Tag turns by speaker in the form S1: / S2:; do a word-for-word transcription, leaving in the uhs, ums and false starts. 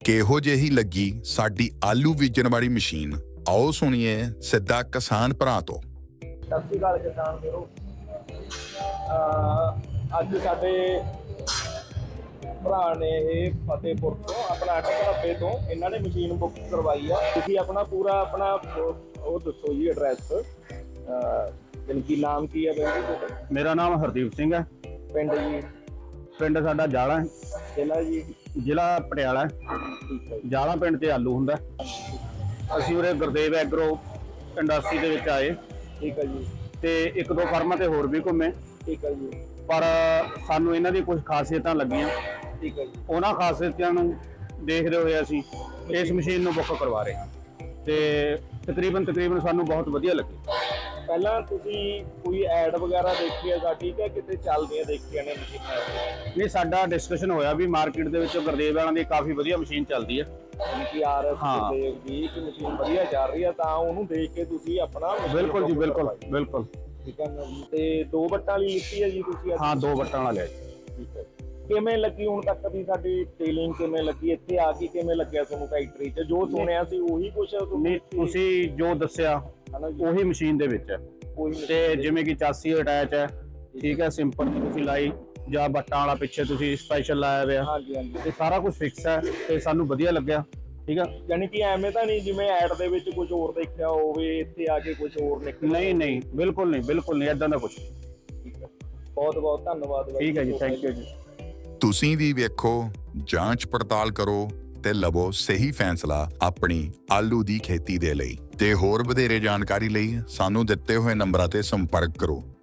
S1: ਕਿਹੋ ਜਿਹੀ ਲੱਗੀ ਸਾਡੀ ਆਲੂ ਬੀਜਣ ਵਾਲੀ ਮਸ਼ੀਨ, ਆਓ ਸੁਣੀਏ ਸਿੱਧਾ ਕਿਸਾਨ ਭਰਾ ਤੋਂ।
S2: ਸਤਿ ਸ਼੍ਰੀ ਅਕਾਲ ਕਿਸਾਨ ਵੀਰੋ। ਅੱਜ ਸਾਡੇ ਭਰਾ ਨੇ ਇਹ ਫਤਿਹਪੁਰ ਤੋਂ ਆਪਣਾ ਅਠ ਤੋਂ ਇਹਨਾਂ ਨੇ ਮਸ਼ੀਨ ਬੁੱਕ ਕਰਵਾਈ ਆ। ਤੁਸੀਂ ਆਪਣਾ ਪੂਰਾ ਆਪਣਾ ਉਹ ਦੱਸੋ ਜੀ ਐਡਰੈਸ, ਜਾਣੀ ਕਿ ਨਾਮ ਕੀ ਹੈ ਬਾਈ ਜੀ ਤੁਹਾਡਾ?
S3: ਮੇਰਾ ਨਾਮ ਹਰਦੀਪ ਸਿੰਘ ਹੈ।
S2: ਪਿੰਡ ਜੀ?
S3: ਪਿੰਡ ਸਾਡਾ ਜਾਲਾ ਹੈ।
S2: ਜ਼ਿਲ੍ਹਾ ਜੀ?
S3: ਜ਼ਿਲ੍ਹਾ ਪਟਿਆਲਾ ਹੈ।
S2: ਠੀਕ ਹੈ ਜੀ।
S3: ਜਾਲਾ ਪਿੰਡ 'ਚ ਆਲੂ ਹੁੰਦਾ। ਅਸੀਂ ਉਰੇ ਗੁਰਦੇਵ ਐਗਰੋ ਇੰਡਸਟਰੀ ਦੇ ਵਿੱਚ ਆਏ।
S2: ਠੀਕ ਹੈ ਜੀ।
S3: ਤੇ ਇੱਕ ਦੋ ਫਰਮਾਂ ਤੇ ਹੋਰ ਵੀ ਘੁੰਮੇ।
S2: ਠੀਕ ਹੈ ਜੀ।
S3: ਪਰ ਸਾਨੂੰ ਇਹਨਾਂ ਦੀ ਕੁਝ ਖਾਸੀਅਤਾਂ ਲੱਗੀਆਂ।
S2: ਠੀਕ ਹੈ ਜੀ।
S3: ਉਹਨਾਂ ਖਾਸੀਅਤਾਂ ਨੂੰ ਦੇਖਦੇ ਹੋਏ ਅਸੀਂ ਇਸ ਮਸ਼ੀਨ ਨੂੰ ਬੁੱਕ ਕਰਵਾ ਰਹੇ ਹਾਂ ਤੇ ਤਕਰੀਬਨ ਤਕਰੀਬਨ ਸਾਨੂੰ ਬਹੁਤ ਵਧੀਆ ਲੱਗੀ।
S2: ਪਹਿਲਾਂ ਤੁਸੀਂ ਕੋਈ ਐਡ ਵਗੈਰਾ ਦੇਖੀ ਹੈ ਸਾਡੀ ਕਿ ਕਿਤੇ ਚੱਲਦੀਆਂ ਦੇਖੀਆਂ ਨੇ ਮਸ਼ੀਨਾਂ?
S3: ਨਹੀਂ, ਸਾਡਾ ਡਿਸਕਸ਼ਨ ਹੋਇਆ ਵੀ ਮਾਰਕੀਟ ਦੇ ਵਿੱਚ ਗੁਰਦੇਵ ਵਾਲਿਆਂ ਦੀ ਕਾਫੀ ਵਧੀਆ ਮਸ਼ੀਨ ਚੱਲਦੀ ਹੈ।
S2: ਕਿ ਆਰ ਐਸ ਗੁਰਦੇਵ ਦੀ ਇੱਕ ਮਸ਼ੀਨ ਵਧੀਆ ਚੱਲ ਰਹੀ ਹੈ, ਤਾਂ ਉਹਨੂੰ ਦੇਖ ਕੇ ਤੁਸੀਂ ਆਪਣਾ
S3: ਬਿਲਕੁਲ ਜੀ, ਬਿਲਕੁਲ ਬਿਲਕੁਲ।
S2: ਠੀਕ ਹੈ ਤੇ ਦੋ ਵੱਟਾਂ ਵਾਲੀ ਲਿੱਤੀ ਹੈ ਜੀ ਤੁਸੀਂ?
S3: ਹਾਂ, ਦੋ ਵੱਟਾਂ ਵਾਲਾ ਲਿਆ ਜੀ।
S2: ਠੀਕ ਹੈ। ਕਿਵੇਂ ਲੱਗੀ ਹੁਣ ਤੱਕ ਦੀ ਸਾਡੀ ਟੇਲਿੰਗ? ਕਿਵੇਂ ਲੱਗੀ ਇੱਥੇ ਆ ਕੇ? ਕਿਵੇਂ ਲੱਗਿਆ ਤੁਹਾਨੂੰ ਫੈਕਟਰੀ 'ਚ? ਜੋ ਸੁਣਿਆ ਸੀ ਉਹੀ ਕੁਛ
S3: ਨਹੀਂ, ਤੁਸੀਂ ਜੋ ਦੱਸਿਆ ਉਹੀ ਮਸ਼ੀਨ ਦੇ ਵਿੱਚ ਹੈ। ਤੇ ਜਿਵੇਂ ਕਿ ਚਾਸੀ ਅਟੈਚ ਹੈ, ਠੀਕ ਹੈ, ਸਿੰਪਲ ਤੁਸੀਂ ਲਾਈ ਜਾਂ ਬੱਟਾਂ ਵਾਲਾ ਪਿੱਛੇ ਤੁਸੀਂ ਸਪੈਸ਼ਲ ਲਾਇਆ ਹੋਇਆ।
S2: ਹਾਂਜੀ ਹਾਂਜੀ।
S3: ਤੇ ਸਾਰਾ ਕੁਝ ਫਿਕਸ ਹੈ ਤੇ ਸਾਨੂੰ ਵਧੀਆ ਲੱਗਿਆ। ਠੀਕ ਹੈ,
S2: ਯਾਨੀ ਕਿ ਐਵੇਂ ਤਾਂ ਨਹੀਂ ਜਿਵੇਂ ਐਡ ਦੇ ਵਿੱਚ ਕੁਝ ਹੋਰ ਦੇਖਿਆ ਹੋਵੇ ਇੱਥੇ ਆ ਕੇ ਕੁਝ ਹੋਰ ਨਿਕਲ?
S3: ਨਹੀਂ ਨਹੀਂ, ਬਿਲਕੁਲ ਨਹੀਂ, ਬਿਲਕੁਲ ਨਹੀਂ, ਏਦਾਂ ਦਾ ਕੁਝ।
S2: ਠੀਕ ਹੈ, ਬਹੁਤ ਬਹੁਤ ਧੰਨਵਾਦ।
S3: ਠੀਕ ਹੈ ਜੀ, ਥੈਂਕ ਯੂ ਜੀ।
S1: ਤੁਸੀਂ ਵੀ ਵੇਖੋ, ਜਾਂਚ ਪੜਤਾਲ ਕਰੋ ਤੇ ਲਵੋ ਸਹੀ ਫੈਸਲਾ ਆਪਣੀ ਆਲੂ ਦੀ ਖੇਤੀ ਦੇ ਲਈ। ਤੇ ਹੋਰ ਵਧੇਰੇ ਜਾਣਕਾਰੀ ਲਈ ਸਾਨੂੰ ਦਿੱਤੇ ਹੋਏ ਨੰਬਰਾਂ ਤੇ ਸੰਪਰਕ ਕਰੋ।